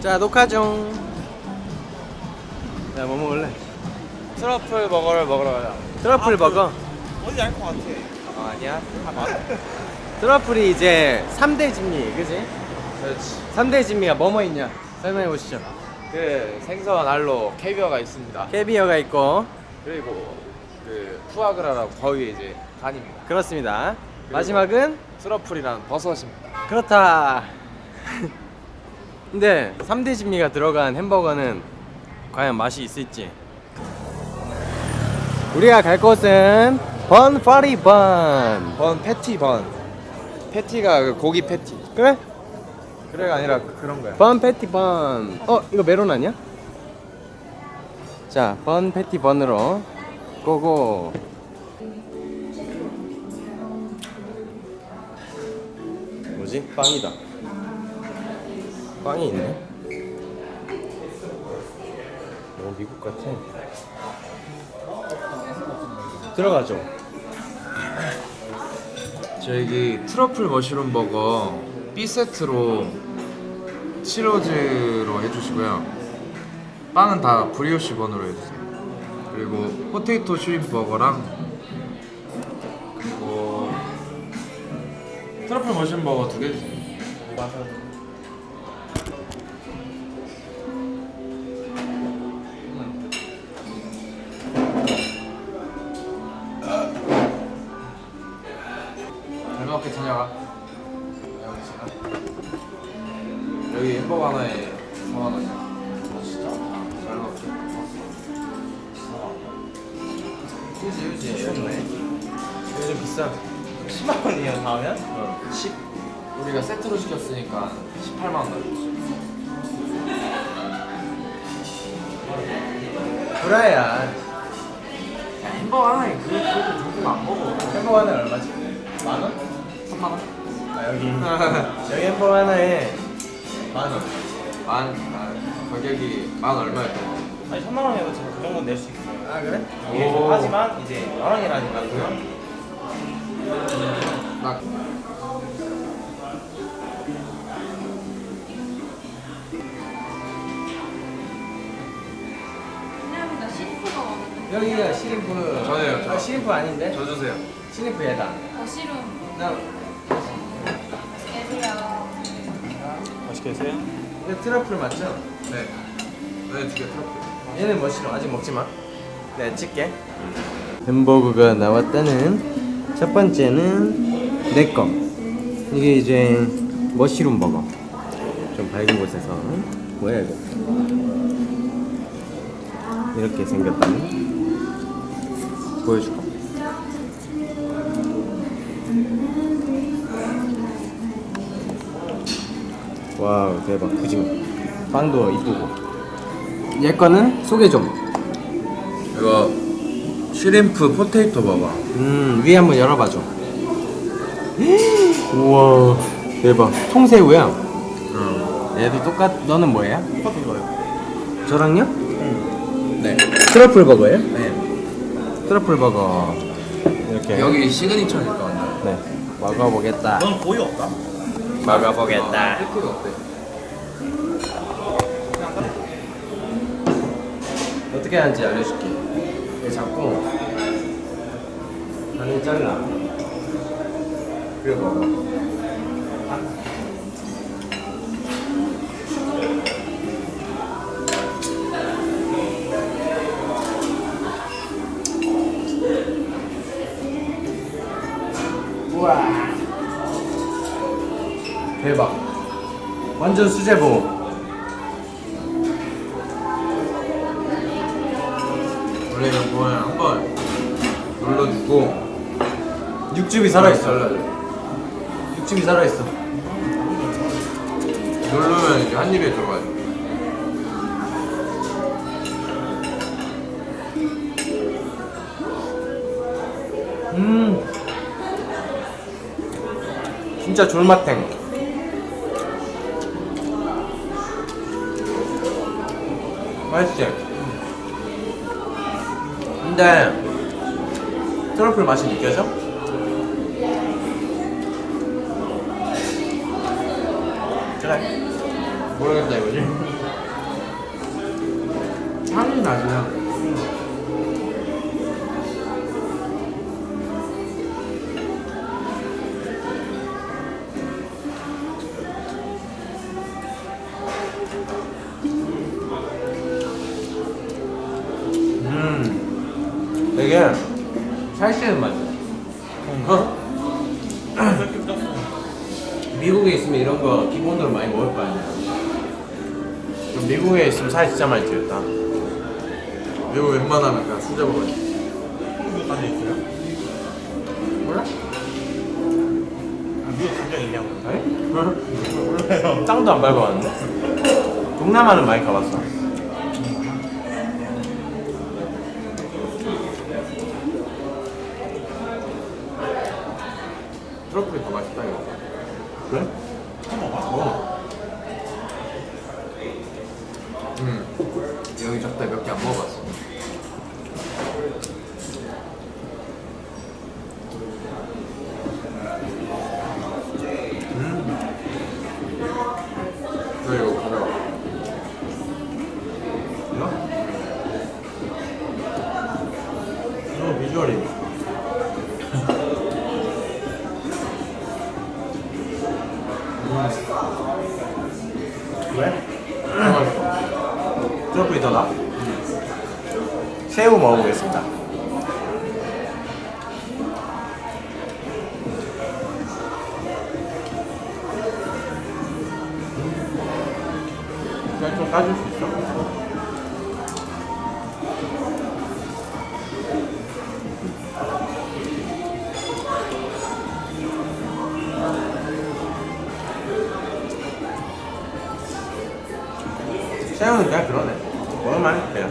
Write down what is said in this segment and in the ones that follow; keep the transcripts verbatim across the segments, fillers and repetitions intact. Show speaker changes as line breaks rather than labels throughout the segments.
자, 녹화 중. 야, 뭐 먹을래?
트러플 버거를 먹으러 가자.
트러플
아,
버거?
그, 어디 알것 같아. 아, 아니야? 아, 맞아.
트러플이 이제 삼 대 진미, 그지?
그렇지.
삼 대 진미가 뭐뭐 있냐? 설명해 보시죠.
그 생선 알로 캐비어가 있습니다.
캐비어가 있고.
그리고 그 푸아그라라고 거위의 이제 간입니다.
그렇습니다. 마지막은
트러플이라는 버섯입니다.
그렇다. 근데 삼 대 진미가 들어간 햄버거는 과연 맛이 있을지. 우리가 갈 곳은 번 파리 번.
번 패티 번. 패티가 그 고기 패티.
그래?
그래가 아니라 그- 그런 거야.
번 패티 번. 어, 이거 메론 아니야? 자, 번 패티 번으로 고고. 뭐지? 빵이다. 빵이 있네. 오, 미국 같아. 들어가죠.
저기 트러플 머쉬룸 버거 B 세트로 치로즈로 해주시고요. 빵은 다 브리오시 번으로 해주세요. 그리고 포테이토 슈림프 버거랑 그리고 트러플 머쉬룸 버거 두 개 주세요. 잘 먹게 저녁아. 여기 햄버거 하나에 사만 원이야. 진짜? 잘 먹게.
그지, 그지. 좋네. 요즘 비싸. 십만 원이에요, 다음엔?
어. 십 우리가 세트로 시켰으니까 십팔만 원 나왔지.
브라야.
야, 햄버거 하나에 그 그렇게 조금 안 먹어.
햄버거 하나에 얼마지? 만 원?
삼만 원?
아, 여기. 여기 햄버거 하나에 만 원.
만 아, 가격이 만 얼마였던 거?
아니 천만 원이어도 제가 그 정도는 낼 수 있어요.
아, 그래?
예,
오.
하지만 이제 만 원이라니까 그냥
나
왜냐면 시리프가 많은데
여기가 시림프.
저예요, 저.
아, 시림프 아닌데?
저 주세요.
시림프 얘다.
더시룸
나
애들이야.
맛있게 드세요.
이거 트러플 맞죠?
네. 네, 두개 트러플.
얘는 뭐 싫어? 아직 먹지 마. 내가 찍게. 햄버거가 나왔다는 첫 번째는 내 거. 이게 이제 머쉬룸 버거. 좀 밝은 곳에서. 뭐야 이거? 이렇게 생겼다. 보여줄까? 와우, 대박. 그지? 빵도 이쁘고. 얘 거는 소개 좀.
이거 슈림프 포테이토 버거.
음, 위에 한번 열어봐줘. 우와, 대박. 통새우야.
응.
얘도 똑같. 너는 뭐야?
똑같은 거예요.
저랑요?
네.
트러플 버거예요?
네.
트러플 버거. 이렇게.
여기 시그니처니까 완전.
네. 먹어보겠다.
넌 고유 없다?
먹어보겠다.
패티가 어때?
어떻게 하는지 알려줄게. 이렇게 잡고 반을 잘라. 그리고 먹어. 우와, 대박. 완전 수제보.
원래 이거 뭐야 한번 눌러주고
육즙이 살아있어.
잘라줘.
육즙이 살아있어.
누르면 이제 한 입에 들어가요.
음, 진짜 졸맛탱. 맛있지? 근데 트러플 맛이 느껴져? 그래.
모르겠다 이거지. 향이 나지요.
음, 되게 살찌는 맛이야. 어? 미국에 있으면 이런 거 기본으로 많이 먹을 거 아니야. 그럼 미국에 있으면 살 진짜 많이 찌겠다.
이거 웬만하면 그냥 수제 먹어야지.
까지 있어요?
몰라?
아, 미국 감정 있냐고.
아니?
몰라요.
땅도 안 밟아봤는데? 동남아는 많이 가봤어.
트러플이 더 맛있다 이거.
그래?
먹어.
음. 여기 적다 몇 개 안 먹어봤어. 너 이거 가져와.
이거? 이거 비주얼이 왜? 트러플이 더 나? 새우 먹어보겠습니다. 그냥 좀 까줄 수 있어? 새우는 그냥 그러네. 먹을만해 그냥.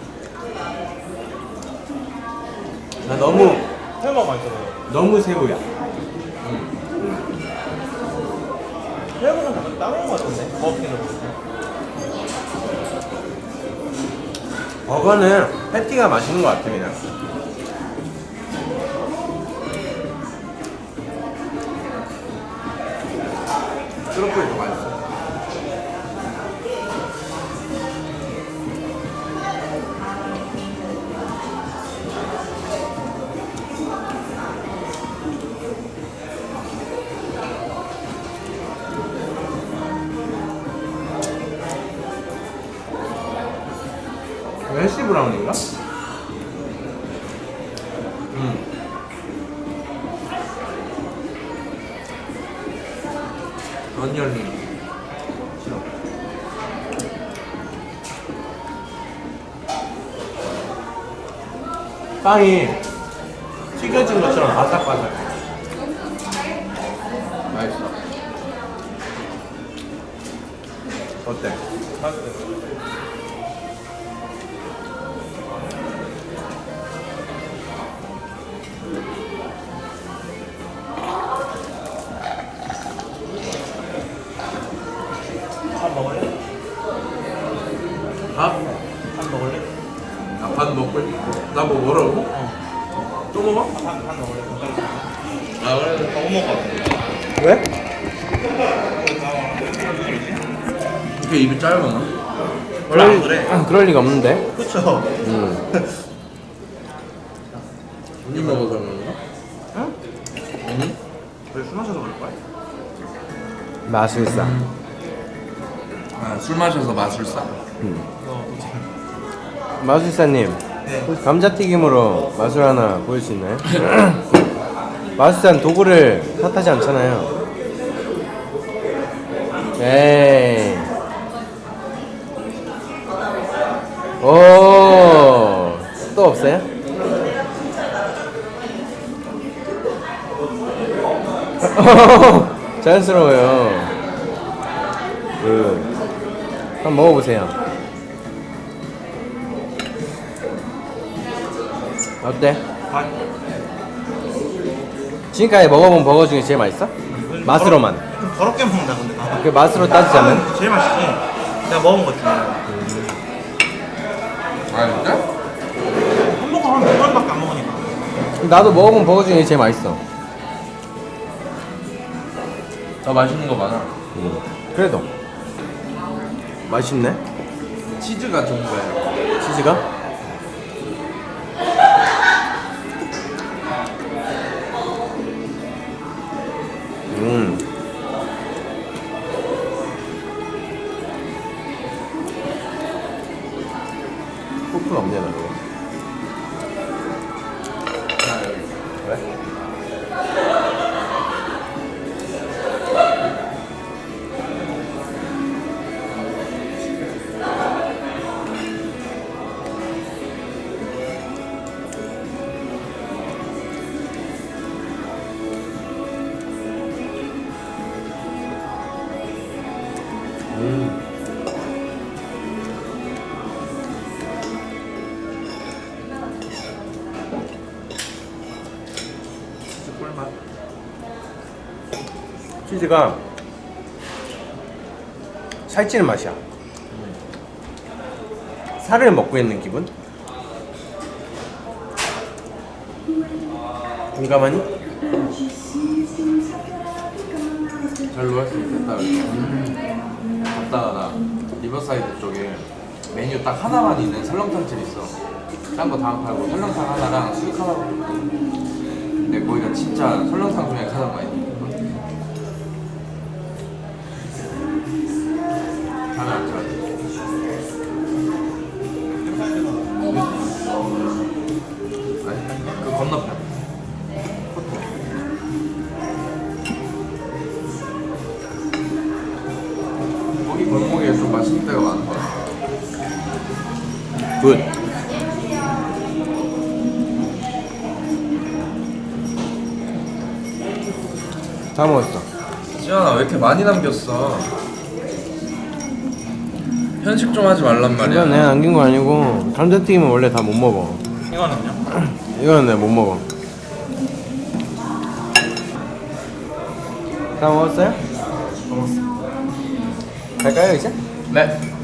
나 너무
새우가 맛있어요.
너무 새우야.
새우는 다 다른 거 같은데? 버거킹으로 보면.
버거는 패티가 맛있는 것 같아 그냥.
트러플이 더 맛있어.
웰시 브라운인가? 음.
언니언니.
싫어. 빵이 튀겨진 것처럼 바삭바삭해.
맛있어.
어때?
맛있어요. 밥 먹을래?
밥?
밥 먹을래?
아, 밥 먹고 나 뭐 뭐라고?
어.
또 먹어?
밥, 밥 먹을래?
아 그래.
밥 먹어.
왜?
이렇게 입이 짧아.
원래 안 그래.
아, 그럴 리가 없는데.
그쵸?
음.
언니 먹어서 그런가?
응?
언니?
그래 술 마셔서 그럴 거야?
마술사.
아, 술 마셔서 마술사.
음.
어, 그치.
마술사님,
네.
감자튀김으로 마술 하나 보일 수 있나요? 마술사는 도구를 탓하지 않잖아요. 에이. 오, 또 없어요? 자연스러워요. 그, 한번 먹어보세요. 어때?
밥.
지금까지 먹어본 버거 중에 제일 맛있어? 맛으로만.
좀 더럽게 먹는다 근데. 아,
그 맛으로 따지자면?
아, 제일 맛있지. 내가 먹은 거 중에.
아 진짜?
햄버거 한 두 번밖에 안 먹으니까.
나도 먹어본 버거 중에 제일 맛있어.
더 맛있는 거 많아.
그래도 맛있네.
치즈가 좋은 거예요.
치즈가? 음. 코프는 없냐 나 이거?
아, 여기.
그래? 음.
치즈 꿀맛.
치즈가 살찌는 맛이야. 살을 먹고 있는 기분? 공감하니?
별로 할 수 있겠다. 음. 갔다가 나 리버사이드 쪽에 메뉴 딱 하나만 있는 설렁탕집 있어. 딴 거 다 안 팔고 설렁탕 하나랑 수육 하나. 근데 거기가 진짜 설렁탕 중에 가장 많이 먹거든. 잠이 안 자. 아니, 그 건너편. 거기 골목에 좀 맛있는 데가 많은 것 같아.
굿. 다 먹었어.
지현아 왜 이렇게 많이 남겼어? 편식 좀 하지 말란
이건
말이야.
내가 남긴 거 아니고 감자튀김은 원래 다 못 먹어.
이거는요?
이거는 내가 못 먹어. 다 먹었어요?
먹었어.
갈까요 이제?
네.